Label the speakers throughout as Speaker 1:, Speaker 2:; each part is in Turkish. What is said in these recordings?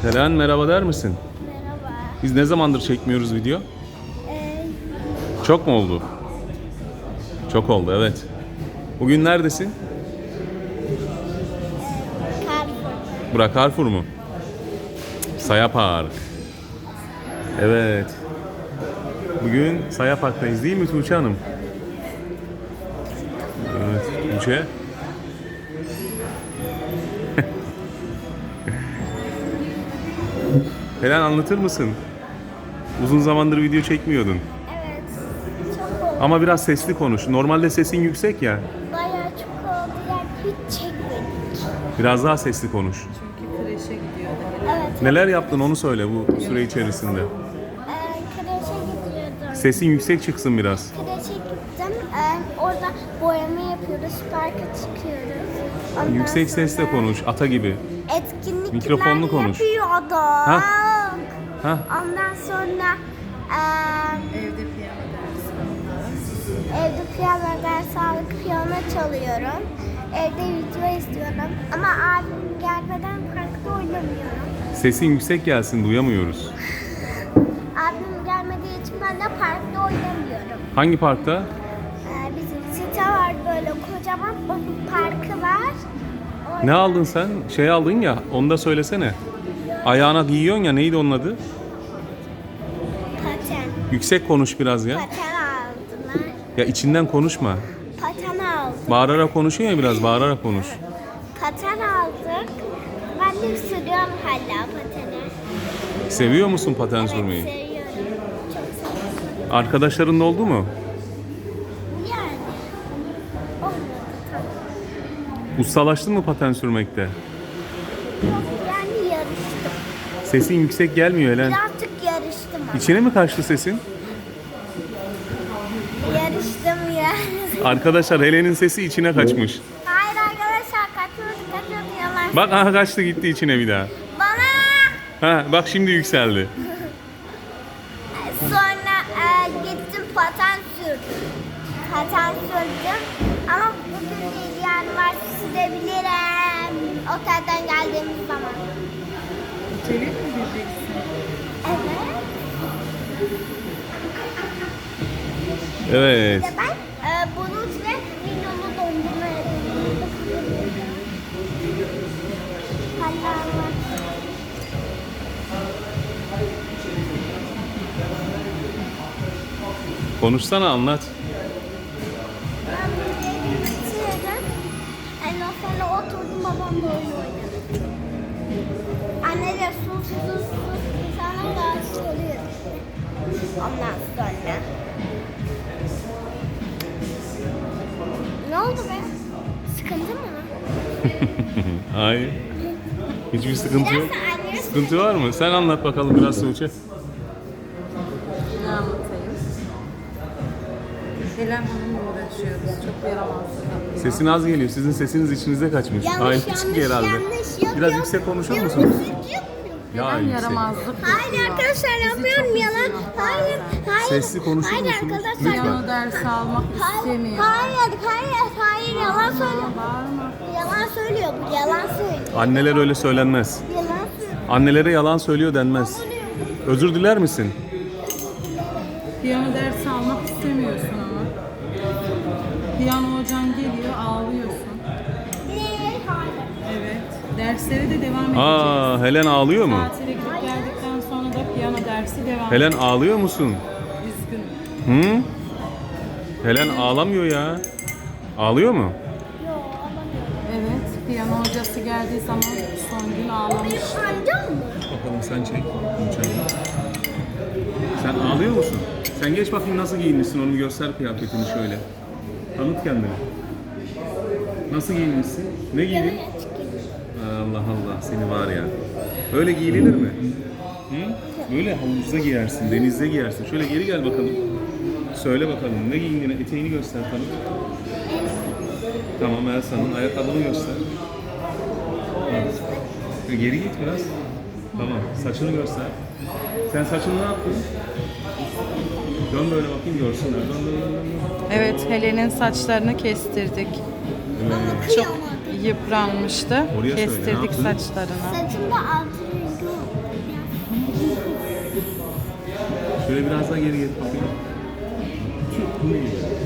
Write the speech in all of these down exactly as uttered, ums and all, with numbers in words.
Speaker 1: Helen merhaba der misin?
Speaker 2: Merhaba.
Speaker 1: Biz ne zamandır çekmiyoruz video?
Speaker 2: Ee,
Speaker 1: Çok mu oldu? Çok oldu, evet. Bugün neredesin?
Speaker 2: Carrefour.
Speaker 1: Bura Carrefour mu? Saya Park. Evet. Bugün Saya Park'tayız değil mi Tuğçe Hanım? Evet Tuğçe. Helen anlatır mısın? Uzun zamandır video çekmiyordun.
Speaker 2: Evet. Çok oldu.
Speaker 1: Ama biraz sesli konuş. Normalde sesin yüksek ya.
Speaker 2: Bayağı çok oldu. Yani hiç çekmedik.
Speaker 1: Biraz daha sesli konuş.
Speaker 3: Çünkü kreşe gidiyordu.
Speaker 2: Evet.
Speaker 1: Neler yaptın onu söyle bu süre içerisinde.
Speaker 2: Ee, kreşe gidiyordum.
Speaker 1: Sesin yüksek çıksın biraz.
Speaker 2: Kreşe gittim. Ee, orada boyama yapıyoruz. Parka çıkıyoruz. Ondan
Speaker 1: Yüksek sesle
Speaker 2: sonra
Speaker 1: konuş, ata gibi.
Speaker 2: Etkinlikler
Speaker 1: Mikrofonlu konuş.
Speaker 2: yapıyorduk.
Speaker 1: Hah. Hah.
Speaker 2: Ondan sonra ee,
Speaker 3: Evde piyano dersi aldı.
Speaker 2: evde piyano dersi alıp piyano çalıyorum. Evde video izliyorum. Ama abim gelmeden parkta oynamıyorum.
Speaker 1: Sesin yüksek gelsin, duyamıyoruz.
Speaker 2: Abim gelmediği için ben de parkta oynamıyorum.
Speaker 1: Hangi parkta?
Speaker 2: Ee, bizim site var böyle kocaman, onun parkı var. Orada
Speaker 1: Ne aldın sen? Şey aldın ya, onu da söylesene. Ayağına giyiyorsun ya, neydi onun adı?
Speaker 2: paten.
Speaker 1: Yüksek konuş biraz ya.
Speaker 2: Paten aldılar.
Speaker 1: Ya içinden konuşma.
Speaker 2: Paten aldık.
Speaker 1: Bağırarak konuşuyor ya biraz, bağırarak konuş.
Speaker 2: Paten aldık. Ben de sürüyorum hala pateni.
Speaker 1: Seviyor musun paten sürmeyi?
Speaker 2: Evet, seviyorum. Çok seviyorum.
Speaker 1: Arkadaşların da oldu mu?
Speaker 2: Yani. Olmadı tam.
Speaker 1: Ustalaştın mı paten sürmekte?
Speaker 2: Yok, yani yarıştım.
Speaker 1: Sesin yüksek gelmiyor Helen.
Speaker 2: Birazcık yarıştım ama.
Speaker 1: İçine mi kaçtı sesin?
Speaker 2: Yarıştım yani.
Speaker 1: Arkadaşlar Helen'in sesi içine kaçmış.
Speaker 2: Hayır arkadaşlar, kaçmadı kaçmadı yalan.
Speaker 1: Bak aha kaçtı gitti içine bir daha.
Speaker 2: Bana
Speaker 1: Ha bak şimdi yükseldi.
Speaker 2: sonra e, gittim paten sürdüm. Paten sürdüm. Ama bugün değil, yani var sürebilirim. Otelden geldiğimiz zaman.
Speaker 3: Otele mi gideceksin?
Speaker 2: Evet.
Speaker 1: Evet.
Speaker 2: Bir de ben e, bunun ve minyonu dondurma yapıyorum. Hala var.
Speaker 1: Konuşsana anlat.
Speaker 2: Ben buraya bitirdim. Ondan sonra oturdum, babamla oyun oynadı. Anne de sus sus sus. Sana rahatsız oluyor işte. Ondan sonra. Ne oldu be? Sıkıntı mı?
Speaker 1: Hayır. Hiçbir sıkıntı yok.
Speaker 2: Biraz da anneye
Speaker 1: Sıkıntı var mı? Sen anlat bakalım biraz Tuğçe.
Speaker 3: Ne anlatayım? Helen Hanım'la uğraşıyoruz. Çok yaramazlık yapıyor.
Speaker 1: Sesin az geliyor. Sizin sesiniz içinize kaçmış.
Speaker 2: Yanlış,
Speaker 1: Hayır,
Speaker 2: yanlış,
Speaker 1: çık herhalde.
Speaker 2: yanlış, yok,
Speaker 1: Biraz
Speaker 2: yok.
Speaker 1: yüksek konuşur
Speaker 2: Yok,
Speaker 1: musunuz?
Speaker 2: yok, yok.
Speaker 1: Ya
Speaker 3: Helen
Speaker 1: yüksek.
Speaker 3: yaramazlık
Speaker 2: Hayır
Speaker 3: yapıyor.
Speaker 2: arkadaşlar,
Speaker 3: Bizi
Speaker 2: yapmıyorum
Speaker 3: çok
Speaker 2: yalan.
Speaker 3: üzüyor
Speaker 2: Hayır,
Speaker 3: bazen.
Speaker 2: hayır.
Speaker 1: Sesli konuşur
Speaker 2: Hayır
Speaker 1: musunuz?
Speaker 2: arkadaşlar.
Speaker 3: Piyano dersi almak
Speaker 2: Hayır,
Speaker 3: istemiyor.
Speaker 2: hayır, hayır, hayır, yalan söylüyor.
Speaker 3: Bağırma.
Speaker 2: Yalan söylüyor bu, yalan söylüyor.
Speaker 1: Anneler öyle söylenmez.
Speaker 2: Yalan söylüyor.
Speaker 1: Annelere yalan söylüyor denmez. Özür diler misin?
Speaker 3: Piyano dersi almak istemiyorsun ama. Piyano hocan geliyor, ağlıyorsun.
Speaker 2: Ne? Hayır.
Speaker 3: Evet. Derslere de devam edeceğiz.
Speaker 1: Aa, Helen ağlıyor mu?
Speaker 3: Tatile gidip geldikten sonra da piyano dersi devam
Speaker 1: Helen ağlıyor musun?
Speaker 3: Üzgün.
Speaker 1: Hı? Helen ağlamıyor ya. Ağlıyor mu?
Speaker 2: Yok, alamıyorum.
Speaker 3: Evet, piyano hocası geldiği zaman son gün ağlamış.
Speaker 2: Amcam mı?
Speaker 1: Bakalım sen çek. Sen ağlıyor musun? Sen geç bakayım nasıl giyinmişsin, onu göster kıyafetini şöyle. Tanıt kendini. Nasıl giyinmişsin? Ne giydin? Allah Allah seni var ya. Öyle giyilir mi? Hı? Böyle havuzda giyersin, denizde giyersin. Şöyle geri gel bakalım. Söyle bakalım ne giyindiğini, eteğini göster tanıt. Tamam Elsa'nın ayakkabını göster. Evet. Geri git biraz. Tamam saçını göster. Sen saçını ne yaptın? Dön böyle bakayım görsünler. Dön dön dön. dön.
Speaker 3: Evet, Helen'in saçlarını kestirdik.
Speaker 1: Evet.
Speaker 3: Çok yıpranmıştı.
Speaker 1: Oraya söyle, ne
Speaker 3: Kestirdik
Speaker 1: yaptın?
Speaker 3: saçlarını.
Speaker 2: Saçımda altı rengi oldu.
Speaker 1: Şöyle biraz daha geri git bakayım. Bu ne?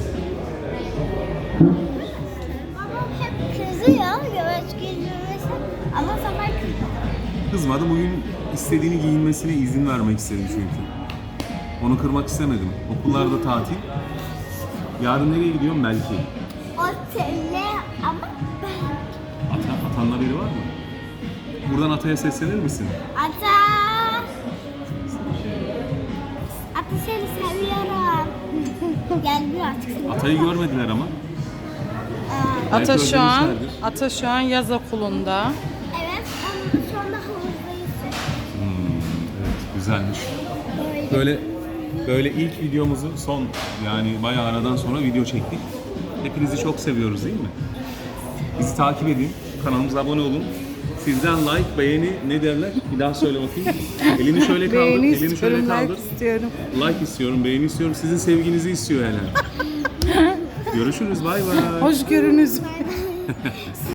Speaker 2: Babam hep kızıyor yavaş giyinmesi ama sabah kızıyor.
Speaker 1: Kızmadı. Bugün istediğini giyinmesine izin vermek istedim çünkü. Onu kırmak istemedim. Okullarda tatil. Yarın nereye gidiyorum belki.
Speaker 2: Otele ama ben...
Speaker 1: Ata, atanla biri var mı? Buradan Ata'ya seslenir misin?
Speaker 2: Ata! Ata seni seviyorum. Gelmiyor artık.
Speaker 1: Ata'yı görmediler ama.
Speaker 2: Aa,
Speaker 1: Belki
Speaker 3: Ata şu an,
Speaker 1: özlemişlerdir.
Speaker 3: Ata şu an yaz okulunda.
Speaker 2: evet, ama şu anda havuzdayız.
Speaker 1: Hmm, evet, güzelmiş.
Speaker 2: Böyle.
Speaker 1: Böyle böyle ilk videomuzu son yani bayağı aradan sonra video çektik. Hepinizi çok seviyoruz değil mi? Bizi takip edin, kanalımıza abone olun. Sizden like, beğeni ne derler? Bir daha söyle bakayım. Elini şöyle kaldır,
Speaker 3: Beğeni
Speaker 1: elini şöyle
Speaker 3: istiyorum,
Speaker 1: kaldır.
Speaker 3: like istiyorum.
Speaker 1: Like istiyorum, beğeni istiyorum. Sizin sevginizi istiyor hele. Görüşürüz, bay bay.
Speaker 3: Hoş görünüz.